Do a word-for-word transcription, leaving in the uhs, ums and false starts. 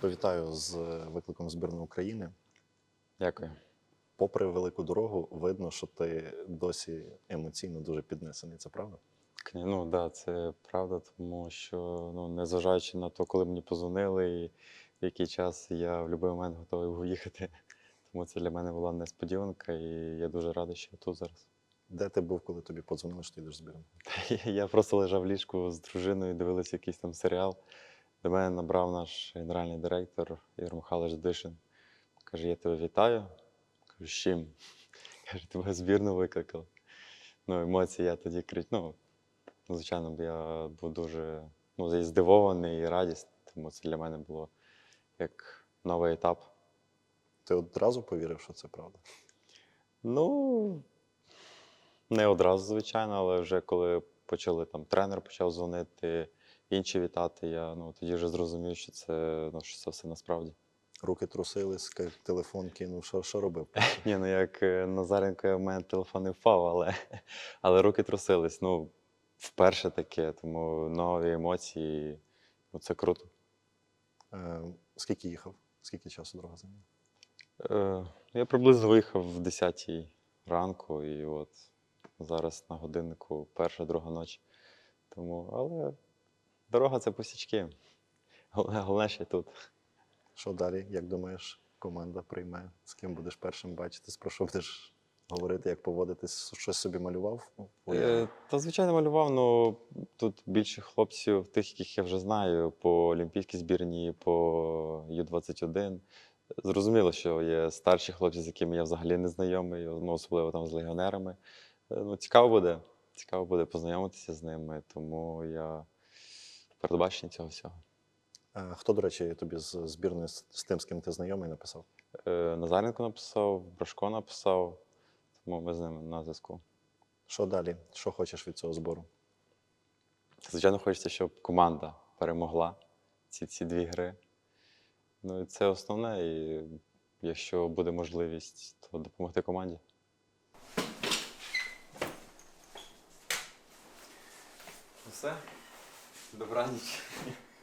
тебе вітаю з викликом збірної України. Дякую. Попри велику дорогу, видно, що ти досі емоційно дуже піднесений. Це правда? Кні- Ну, да, це правда, тому що, ну, незважаючи на те, коли мені позвонили і в який час я в будь-який момент готовий був їхати. Тому це для мене була несподіванка, і я дуже радий, що я тут зараз. Де ти був, коли тобі подзвонили, що ти йдеш в збірну? Я просто лежав в ліжку з дружиною, дивилися якийсь там серіал. До мене набрав наш генеральний директор Ігор Михайлович Дишин. Каже, я тебе вітаю. Кажу, з чим? Каже, тебе в збірну викликав. Ну, емоції я тоді кричу. Ну, звичайно, я був дуже ну, і здивований і радісний, тому це для мене було як новий етап. Ти одразу повірив, що це правда? Ну, не одразу, звичайно, але вже коли почали там тренер почав дзвонити, інші вітати, я ну, тоді вже зрозумів, що це, ну, що це все насправді. Руки трусились, ка- телефон кинув, що, що робив? Ні, ну як е, Назаренко, в мене телефон не впав, але, але руки трусились. Ну, вперше таке, тому нові емоції, ну, це круто. Е, скільки їхав? Скільки часу дорога зайняла? Е, я приблизно виїхав в десятій ранку, і от зараз на годиннику перша, друга ночі. Тому, але дорога це пустячки. Головне, головне, що я тут. Що далі, як думаєш, команда прийме? З ким будеш першим бачитись? Про що будеш говорити, як поводитись? Щось собі малював? Ну, Е, та, звичайно, малював, ну тут більше хлопців, тих, яких я вже знаю, по олімпійській збірні, по Ю двадцять один. Зрозуміло, що є старші хлопці, з якими я взагалі не знайомий, ну, особливо там з легіонерами. Е, Ну, цікаво буде. Цікаво буде познайомитися з ними, тому я в передбаченні цього всього. Е, хто, до речі, тобі з збірної з, з тим, з ким ти знайомий, написав? Е, Назаренко написав, Брашко написав, тому ми з ними на зв'язку. Що далі? Що хочеш від цього збору? Звичайно, хочеться, щоб команда перемогла ці, ці дві гри. Ну, і це основне, і якщо буде можливість, то допомогти команді. Все. Добраніч.